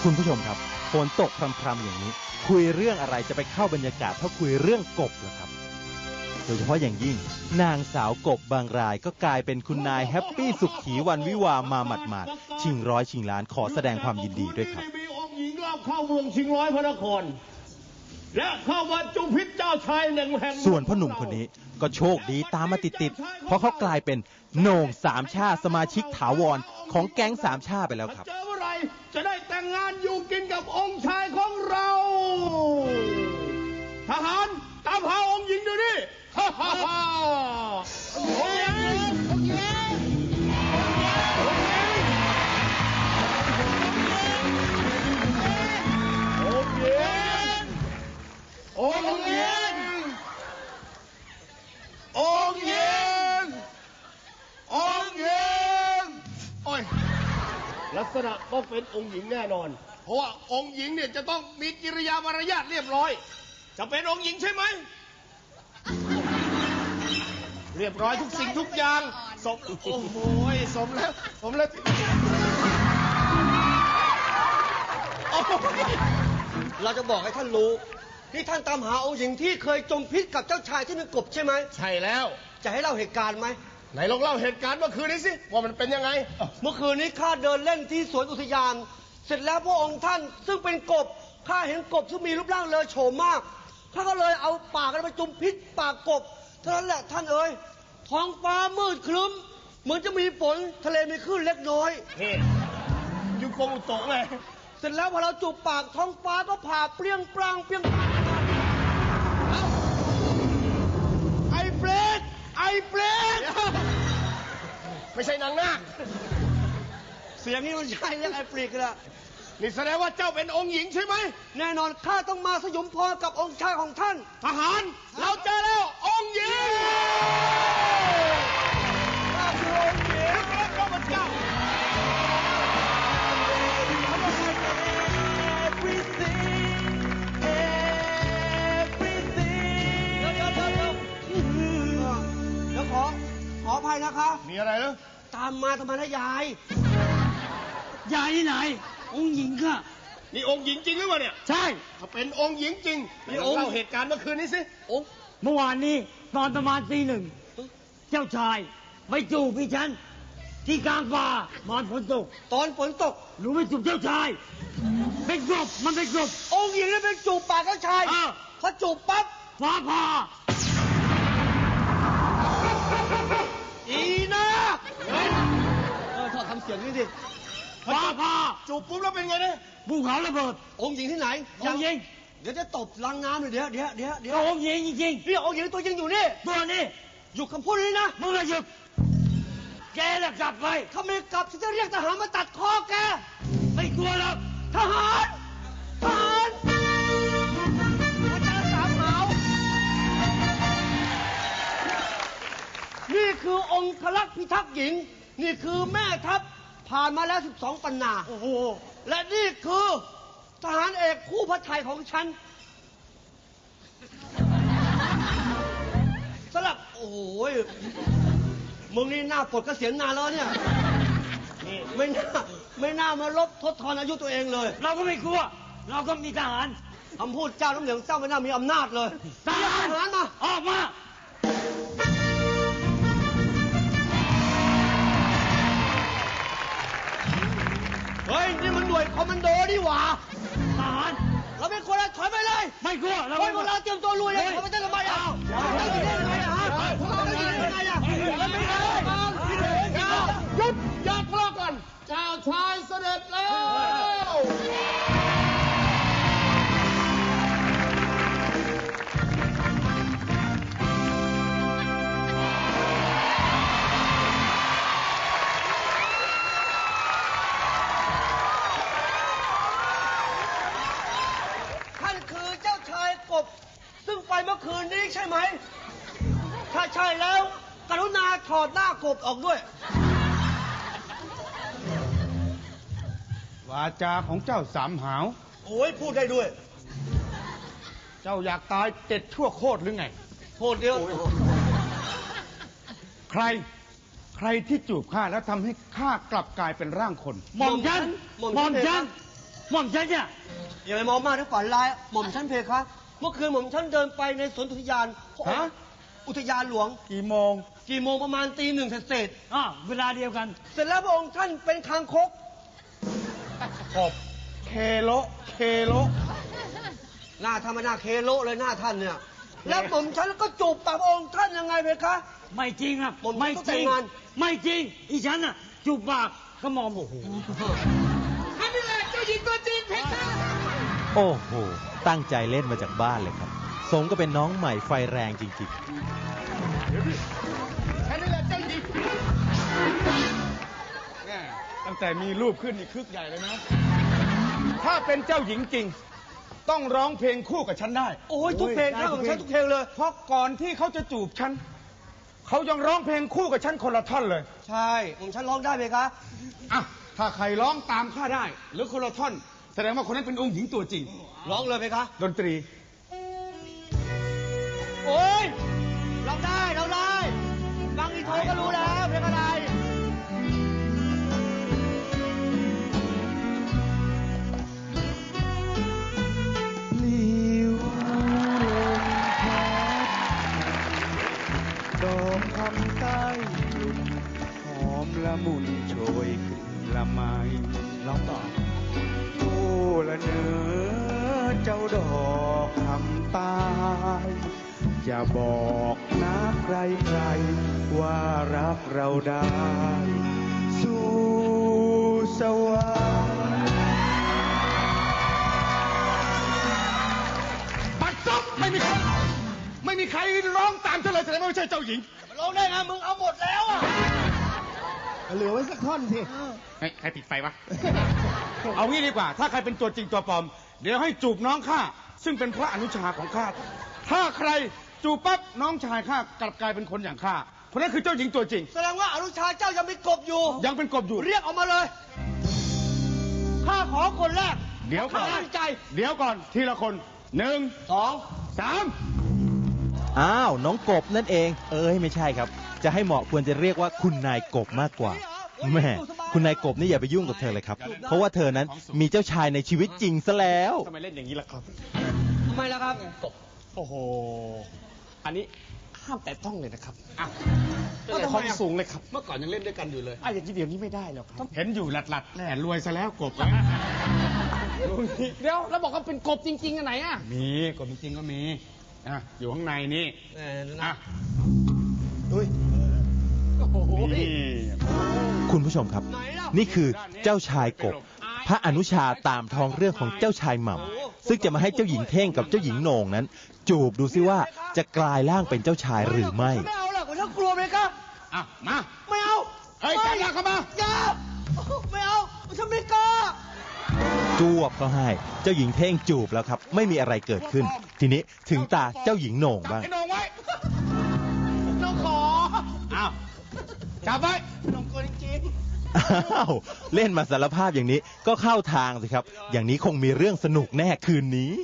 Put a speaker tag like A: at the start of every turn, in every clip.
A: คุณผู้ชมครับฝนตกพรำๆอย่างนี้คุยเรื่องอะไรจะไปเข้าบรรยากาศเท่าคุยเรื่องกบล่ะครับโดยเฉพาะอย่างยิ่งนางสาวกบบางรายก็กลายเป็นคุณนายแฮปปี้สุขขีวันวิวามาหมาดๆชิงร้อยชิงล้านขอแสดงความยินดีด้วยครับ
B: มีองค์หญิงรอบเข้าเมืองชิงร้อยพระนครและเข้าวัดจุมพิษเจ้าชายแห่ง
A: ส่วนพ่อหนุ่มคนนี้ก็โชคดีตามมาติดๆเพราะเขากลายเป็นโหน่งสามชาสมาชิกถาวรของแก๊งสามชาไปแล้วครับ
B: เจอเมื่อไรจะได้แต่งงานอยู่กินกับองค์ชายของเราทหารตามหาองค์หญิงเดี๋ยวนี้ฮ่าฮ่าฮ่าองค์หญิงองค์หญิงองค์หญิงองค์หญิงองค์หญิงองค์หญิงโอ้ยลักษณะต้องเป็นองค์หญิงแน่นอนเพราะว่าองค์หญิงเนี่ยจะต้องมีกิริยามารยาทเรียบร้อยจะเป็นองค์หญิงใช่ไหมเรียบร้อยทุกสิ่งทุกอย่างสมโอ้โหสมแล้ว
C: เราจะบอกให้ท่านรู้ที่ท่านตามหาองค์หญิงที่เคยจมพิษกับเจ้าชายที่เป็นกบใช่ไหม
B: ใช่แล้ว
C: จะให้เล่าเหตุการณ์ไหม
B: ไหนลองเล่าเหตุการณ์เมื่อคืนนี้สิว่ามันเป็นยังไง
C: เมื่อคืนนี้ข้าเดินเล่นที่สวนอุทยานเสร็จแล้วพระองค์ท่านซึ่งเป็นกบข้าเห็นกบซึ่งมีรูปร่างเลอโฉมมากข้าก็เลยเอาปากไปจุ่มพิษปากกบเท่านั้นแหละท่านเอ๋ยท้องฟ้ามืดครึ้มเหมือนจะมีฝนทะเลมีคลื่นเล็กน้อย
B: นี่ยุคงอุตกไง
C: เสร็จแล้วพอเราจูบปากท้องฟ้าก็ผ่าเปรี้ยงปร้างเปรี้ยง
B: ไอ้เปรตไม่ใช่นางนาค
C: เสียงนี้มันใช่เรียกไอ้เปรตกันละ
B: นี่แสดงว่าเจ้าเป็นองค์หญิงใช่ไหม
C: แน่นอนข้าต้องมาสยมพรกับองค์ชายของท่าน
B: ทหารเราเจอแล้วองค์หญิงข้าคือองค์หญิงพระเจ้า
C: เดี๋ยวขออภัยนะคะ
B: มีอะไรเหรอ
C: ตามมาทำไมนะยาย
D: ที่ไหนองค์หญิงค่ะ
B: นี่องค์หญิงจริงหรือเปล่าเนี่ย
D: ใช่
B: ถ้าเป็นองค์หญิงจริงนี่องค์เล่าเหตุการณ์เมื่อคืนนี้สิ
D: เมื่อวานนี้ตอนประมาณตี 1เจ้าชายไปจูบพี่ฉันที่กลางป่ามันฝนตก
C: ตอนฝนตก
D: หนูไปจูบเจ้าชายเป็นกบมันเป็นกบ
C: องค์หญิงนี่เป็นจูบปากเจ้าชายพอจูบปั๊บ
D: ฟ้าผ่า
C: อีนะถอดทำเสียงนี่ดิ
D: ฟ้าผ่า
B: จูบปุ๊บแล้วเป็นไงเนี่ย
D: ภูเขาระเบิด
C: องค์หญิงที่ไหน
D: องค์หญิง
C: เดี๋ยวจะตบลังน้ำเลยเดี๋ยว
D: องค์หญิงจริง
C: ๆนี่องค์หญิงตัวจริงอยู่นี่
D: ตัวนี้
C: หยุดคำพูดนี้นะ
D: มึงหยุดแกจะกลับไป
C: ถ้าไม่กลับฉันจะเรียกทหารมาตัดคอแก
D: ไม่กลัวหรอก
C: ทหารอาจารย์สามหาวนี่คือองค์คลักษ์พิทักษ์หญิงนี่คือแม่ทัพผ่านมาแล้ว12 ปันนา
D: โอ้โห
C: และนี่คือทหารเอกคู่พระทัยของฉันสลับโอ้โหมึงนี่หน้าปลดเกษียณนานแล้วเนี่ยนี่ไม่น่ามาลบทดทอนอายุตัวเองเลย
D: เราก็ไม่กลัวเราก็มีทหาร
C: คำพูดเจ้าน้ำเหลืองเจ้าไม่น่ามีอำนาจเลย
D: ทหาร
C: มา
D: ออกมา
C: เฮ้ยนี่มันหน่วยคอมมานโดดิหว่า
D: ทหาร
C: เราเป็นคนถอยไปเลย
D: ไม่กลัว
C: เราพวกเราเตรียมตัวลุยเลยเขาไม่ได้ทำไมอ่ะเราไม่ได้ทำไมอ่ะพวกเราไม่ได้ทำไมอ่ะเราไม่ได้
B: หยุดอย่าทะเลาะกันเจ้าชายเสด็จแล้ว
C: ซึ่งไปเมื่อคืนนี้ใช่ไหมถ้าใช่แล้วกรุณาถอดหน้ากบออกด้วย
E: วาจาของเจ้าสามหาว
C: โอ้ยพูดได้ด้วย
E: เจ้าอยากตาย7 ชั่วโคตรหรือไง
C: โคตรเดียว
E: ใครที่จูบข้าแล้วทำให้ข้ากลับกลายเป็นร่างคน
D: หม่อมฉันหม่อมฉันเนี่ย
C: อย่าไปมองมากนะฝันร้ายหม่อมฉันเพคะเมื่อคืนหม่อมฉันเดินไปในสวนอุทยานอุทยานหลวง
E: กี่โมง
C: กี่โมงประมาณตี 1เศษ
D: เวลาเดียวกัน
C: เสร็จแล้วพระองค์ท่านเป็นคางคก
E: ขบเคโลเคโล
C: หน้าท่านไม่น่าเคโลเลยหน้าท่านเนี่ย แล้วหม่อมฉันก็จูบปากพระองค์ท่านยังไงเพคะ
D: ไม่จริงอ่ะ
C: หม่อมฉัน
D: ไม่
C: ต้อง
D: จ
C: แต่
D: ริ
C: ง
D: ง
C: งาน
D: ไม่จริงอีฉันอ่ะจูบปากก็มองโอ้โห
A: โอ้โห ตั้งใจเล่นมาจากบ้านเลยครับ สมก็เป็นน้องใหม่ไฟแรงจริง
B: แค่นี้แหละเจ้าหญิง
E: แม่ตั้งแต่มีรูปขึ้นนี่คึกใหญ่เลยนะ ถ้าเป็นเจ้าหญิงจริง ต้องร้องเพลงคู่กับฉันได้
C: โอ้ยทุกเพลงท่านหม่อมฉันทุกเพลงเลย
E: เพราะก่อนที่เขาจะจูบฉัน เขายังร้องเพลงคู่กับฉันคนละท่อนเลย
C: ใช่หม่อมฉันร้องได้ไหมคะ
E: อ่ะ ถ้าใครร้องตามข้าได้ หรือคนละท่อน แสดงว่าคนนั้นเป็นองค์หญิงตัวจริง
C: ร้องเลยไหมคะ
E: ดนตรี
C: โอ้ยร้องได้ร้องได้ฟังอีโทก็รู้แล้วเพลงอะไร
E: ลิวลมพัดดอกคำใต้กลุ่มหอมละมุนโชยกลิ่นละไมร้องต่อโอ้ละเนอเจ้าดอกคำใต้จะบอกนักใครๆว่ารักเราได้ สู่สวรรค์ ปัดจบไม่มีใครร้องตามเธอเลยแสดงว่าไม่ใช่เจ้าหญิง
C: ร้องได้ไงมึงเอาหมดแล้วอ่ะ
B: เหลือไว้สักท่อนสิ
E: ใครปิดไฟวะ เอางี้ดีกว่า ถ้าใครเป็นตัวจริงตัวปลอม เดี๋ยวให้จูบน้องข้าซึ่งเป็นพระอนุชาของข้า ถ้าใครจูบปั๊บน้องชายข้ากลับกลายเป็นคนอย่างข้าคนนั้นคือเจ้าหญิงตัวจริง
C: แสดงว่าอนุชาเจ้ายังเป็นกบอยู่
E: ยังเป็นกบอยู่
C: เรียกออกมาเลยข้าขอคนแรก
E: เดี๋ยวก่อน
C: ข้าตั้งใจ
E: เดี๋ยวก่อนทีละคน 1
C: 2
E: 3
A: ๆ อ้าว น้องกบนั่นเอง ไม่ใช่ครับ จะให้เหมาะควรจะเรียกว่าคุณนายกบมากกว่าแม่คุณนายกบนี่อย่าไปยุ่งกับเธอเลยครับ เพราะว่าเธอนั้นมีเจ้าชายในชีวิตจริงซะแล้ว
E: ทำไมเล่นอย่างนี้ล่ะครับ
C: ทำไมล่ะครับ
E: โอ้โห
F: อันนี้ห้ามแตะต้องเลยนะครับ
E: อ่ะ
F: ของสูงเลยครับ
B: เมื่อก่อนยังเล่นด้วยกันอยู่เลย
F: อย่างนี้เดี๋ยวนี้ไม่ได้แล้วครับ
E: เห็นอยู่หลัดๆแหน่รวยซะแล้วกบ
F: เดี๋ยวแล้วบอกว่าเป็นกบจริงๆอันไหนอ่ะ
E: มีกบจริงๆก็มีอยู่ข้างในนี่ อ่ะ
C: อุ้ย
E: นี่
A: คุณผู้ชมครับ นี่คือเจ้าชายกบ พระอนุชาตามท้องเรื่องของเจ้าชายหม่ำซึ่งจะมาให้เจ้าหญิงเท่งกับเจ้าหญิงโหน่งนั้น จูบดูซิว่าจะกลายร่างเป็นเจ้าชายหรือไม่
C: ไม่เอาหรอกผมฉันกลัวเลยครับ
E: อ่ะ มา
C: ไม่เอา
E: เฮ้ยจับหน้าเข้ามา
C: อย่าไม่เอาฉันไม่กล้า
A: จวบก็ให้ เจ้าหญิงเท่งจูบแล้วครับ ไม่มีอะไรเกิดขึ้น ทีนี้ถึงตาเจ้าหญิงโหน่งบ้าง
E: ไอ้โหนงไว้
C: น้องขอ
E: อ้าว จับไว้
C: น้องกลัวจริง
A: อ้าว เล่นมาสารภาพอย่างนี้ก็เข้าทางสิครับ อย่างนี้คงมีเรื่องสนุกแน่คืนนี้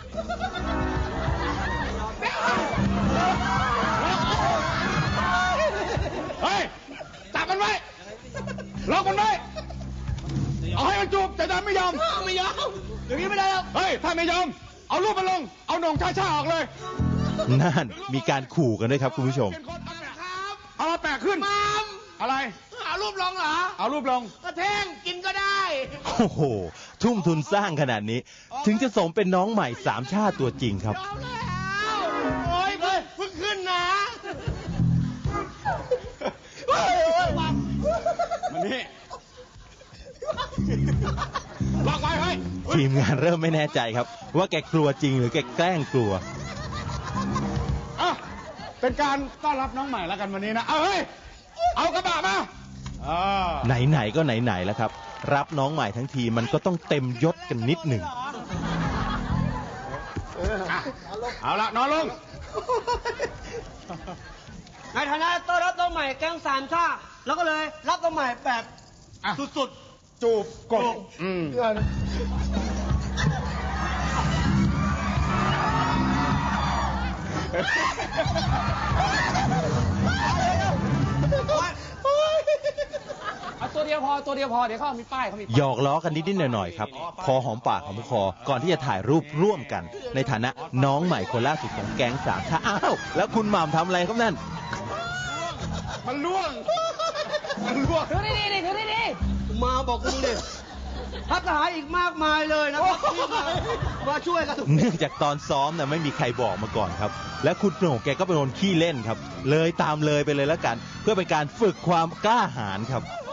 E: เฮ้ย จับมันไว้ ล็อกมันไว้ เอาให้มันจูบแต่ดันไม่ยอม
C: ไม่ยอมอย่างนี้ไม่ได้หรอก
E: เฮ้ย ถ้าไม่ยอม เอารูปมันลง เอาโหนงช้าๆออกเลย
A: นั่นมีการขู่กันด้วยครับคุณผู้ชม
E: เอามาแปะขึ้น อะไร
C: เอารูปลงเหรอ
E: เอารูปลง
C: กระเท่งกินก็ได้
A: โอ้โห ทุ่มทุนสร้างขนาดนี้ ถึงจะสมเป็นน้องใหม่สามชาติตัวจริงครับ
C: เอาแล้วโอ้ยเพิ่งขึ้นนะโอ้ยวัง
E: มันนี่ ล็อกไว้เฮ้ย
A: ทีมงานเริ่มไม่แน่ใจครับ ว่าแกกลัวจริงหรือแกแกล้งกลัว
E: อ่ะเป็นการต้อนรับน้องใหม่แล้วกันวันนี้นะ เอาเฮ้ย เอากระบะมาอ่า
A: ไหนๆก็ไหนๆแล้วครับ รับน้องใหม่ทั้งทีมันก็ต้องเต็มยศกันนิดหนึ่ง
E: เอาละนอนลง
C: ในฐานะต้อนรับน้องใหม่แก๊งสามชาติแล้วก็เลยรับน้องใหม่แบบ
E: อ่ะ
C: สุด
E: จูบกบอืม
C: ๆ
F: เอาตัวเดียวดียวพอตัวเดียวพอเดี๋ยวเขามีป้ายเขามีป้าย
A: หยอกล้อกันนิดๆหน่อยๆครับ พอหอมปากหอมคอก่อนที่จะถ่ายรูปร่วมกัน ในฐานะน้องใหม่คนล่าสุดของแก๊งสามชาอ้าวแล้วคุณหม่ำทำอะไรครับนั่น
B: มันล่วง มันล่วง
F: ถือดีๆถือดี
C: มาบอกกูดิทัพทหารอีกมากมายเลยนะครับที่มาช่วยกัน
A: เนื่องจากตอนซ้อมน่ะไม่มีใครบอกมาก่อนครับ และคุณโหน่งแกก็เป็นคนขี้เล่นครับ เลยตามเลยไปเลยแล้วกัน เพื่อเป็นการฝึกความกล้าหาญครับ
F: ๆ